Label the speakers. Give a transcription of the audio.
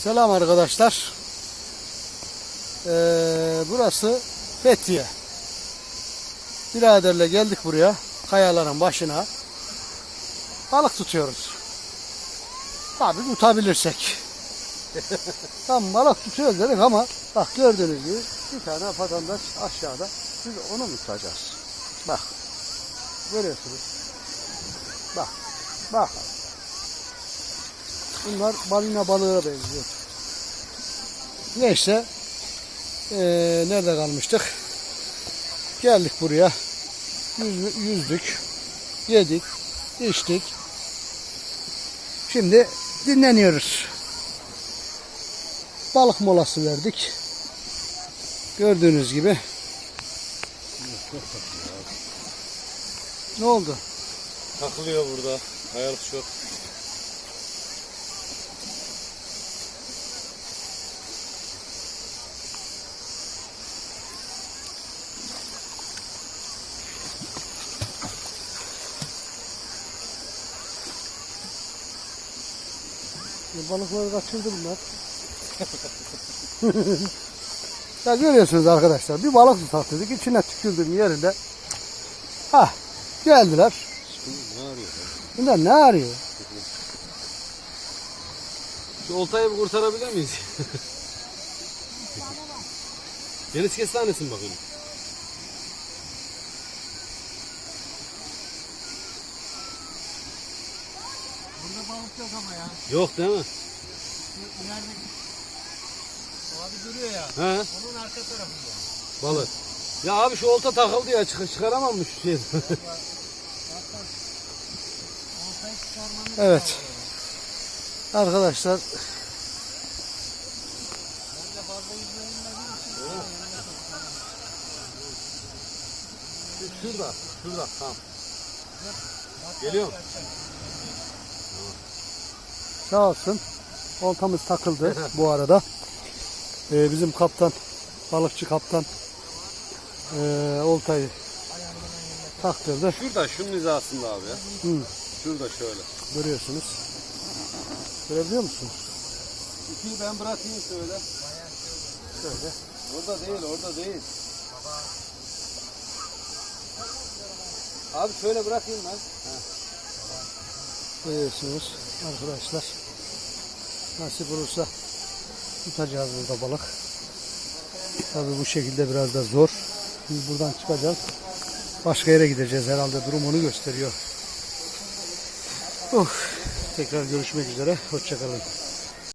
Speaker 1: Selam arkadaşlar. Burası Fethiye. Biraderle geldik buraya. Kayaların başına. Balık tutuyoruz. Tabii tutabilirsek. Tam balık tutuyoruz dedik ama bak gördüğünüz gibi bir tane vatandaş aşağıda. Biz onu mu tutacağız? Bak. Görüyorsunuz. Bak. Bak. Bunlar balina balığına benziyor. Neyse. Nerede kalmıştık? Geldik buraya. Yüzdük. Yedik. İçtik. Şimdi dinleniyoruz. Balık molası verdik. Gördüğünüz gibi. Ne oldu?
Speaker 2: Takılıyor burada. Kayalık çok.
Speaker 1: Balıkları kaçırdı bunlar. Ya görüyorsunuz arkadaşlar, bir balık tutak dedik, içine tükürdüğüm yerinde geldiler.
Speaker 2: Ne arıyor?
Speaker 1: Bunlar ne arıyor?
Speaker 2: Şu oltayı bir kurtarabilir miyiz? Deniz kestanesin bakayım.
Speaker 1: Burada balık yok ama ya.
Speaker 2: Yok değil mi?
Speaker 1: İlerideki abi duruyor ya.
Speaker 2: He?
Speaker 1: Onun arka tarafında.
Speaker 2: Balık. Ya abi şu olta takıldı ya çıkaramam mı şu şeyden?
Speaker 1: Evet. Arkadaşlar.
Speaker 2: Şurada. Tamam. Geliyorum.
Speaker 1: Sağ olsun. Oltamız takıldı bu arada. Bizim kaptan, balıkçı kaptan oltayı taktırdı.
Speaker 2: Şurada şunun hizasında abi ya.
Speaker 1: Hı.
Speaker 2: Şurada şöyle.
Speaker 1: Görüyorsunuz. Görebiliyor musunuz?
Speaker 2: İkiyi ben bırakayım şöyle.
Speaker 1: Şöyle.
Speaker 2: Orada değil. Abi şöyle bırakayım ben.
Speaker 1: Görüyorsunuz arkadaşlar. Nasip olursa tutacağız burada balık. Tabii bu şekilde biraz da zor. Biz buradan çıkacağız. Başka yere gideceğiz herhalde. Durum onu gösteriyor. Tekrar görüşmek üzere. Hoşça kalın.